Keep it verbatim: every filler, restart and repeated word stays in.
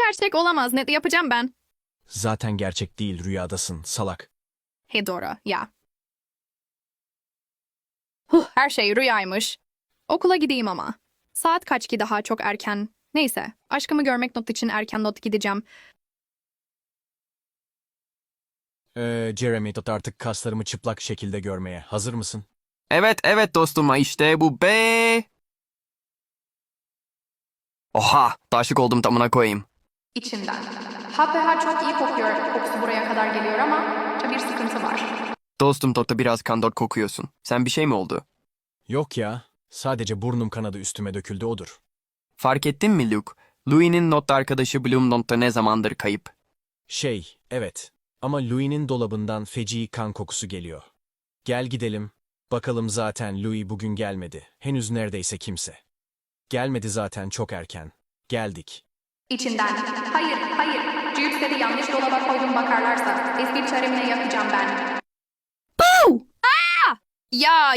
gerçek olamaz. Ne yapacağım ben? Zaten gerçek değil, rüyadasın, salak. He doğru, ya. Huh, her şey rüyaymış. Okula gideyim ama. Saat kaç ki daha çok erken. Neyse, aşkımı görmek not için erken not gideceğim. Ee, Jeremy, tut artık kaslarımı çıplak şekilde görmeye. Hazır mısın? Evet evet dostum işte bu be. Oha taşık oldum tamına koyayım. İçinden. H P H çok iyi kokuyor. Kokusu buraya kadar geliyor ama bir sıkıntı var. Dostum Tota biraz kandor kokuyorsun. Sen bir şey mi oldu? Yok ya, sadece burnum kanadı üstüme döküldü odur. Fark ettin mi Luke? Louis'nin not arkadaşı Bloom Not'ta ne zamandır kayıp? Şey, evet. Ama Louis'nin dolabından feci kan kokusu geliyor. Gel gidelim. Bakalım zaten Louis bugün gelmedi. Henüz neredeyse kimse. Gelmedi zaten çok erken. Geldik. İçinden. Hayır, hayır. Cipsleri yanlış dolaba koydum bakarlarsa. Eski çaremine yakacağım ben. Boo! Aa! Ya